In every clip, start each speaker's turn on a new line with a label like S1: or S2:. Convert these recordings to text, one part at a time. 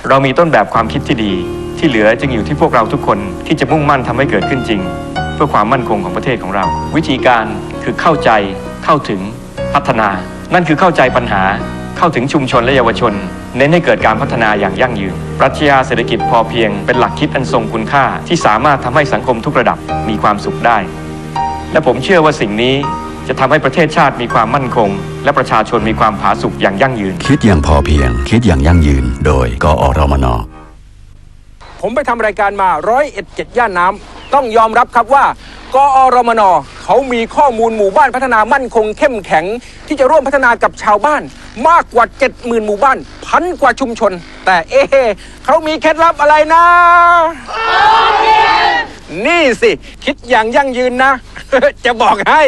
S1: เรามีต้นแบบความคิดที่ดีที่เหลือจึงอยู่ที่พวกเราทุกคนที่จะมุ่งมั่นทำให้เกิดขึ้นจริงเพื่อความมั่นคงของประเทศของเราวิธีการคือเข้าใจเข้าถึงพัฒนานั่นคือเข้าใจปัญหาเข้าถึงชุมชนและเยาวชนเน้นให้เกิดการพัฒนาอย่างยั่งยืนปรัชญาเศรษฐกิจพอเพียงเป็นหลักคิดอันทรงคุณค่าที่สามารถทำให้สังคมทุกระดับมีความสุขได้และผมเชื่อว่าสิ่งนี้จะทำให้ประเทศชาติมีความมั่นคงและประชาชนมีความผาสุกอย่างยั่งยืน
S2: คิดอย่างพอเพียงคิดอย่างยั่งยืนโดยกอรมน.
S3: ผมไปทำรายการมา101 ย่านน้ำต้องยอมรับครับว่ากอรมน.เขามีข้อมูลหมู่บ้านพัฒนามั่นคงเข้มแข็งที่จะร่วมพัฒนากับชาวบ้านมากกว่า 70,000 หมู่บ้าน1,000 กว่าชุมชนแต่เขามีเคล็ดลับอะไรนะนี่สิคิดอย่างยั่งยืนนะ จะบอกให้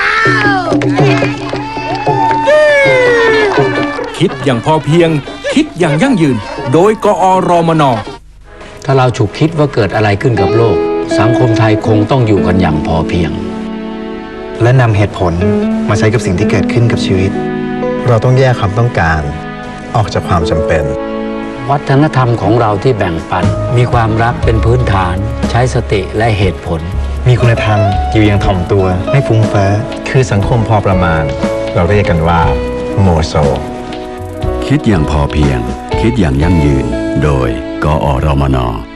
S3: คิดอย่างพอเพียงคิดอย่างยั่งยืนโดยกอรมน.
S4: ถ้าเราฉุกคิดว่าเกิดอะไรขึ้นกับโลกสังคมไทยคงต้องอยู่กันอย่างพอเพียง
S5: และนำเหตุผลมาใช้กับสิ่งที่เกิดขึ้นกับชีวิตเราต้องแยกความต้องการออกจากความจำเป็น
S4: วัฒนธรรมของเราที่แบ่งปันมีความรักเป็นพื้นฐานใช้สติและเหตุผล
S5: มีคุณธรรมอยู่อย่างถ่อมตัวไม่ฟุ้งเฟ้อคือสังคมพอประมาณเราเรียกกันว่าโมโซ
S2: คิดอย่างพอเพียงคิดอย่างยั่งยืนโดยกอรมน.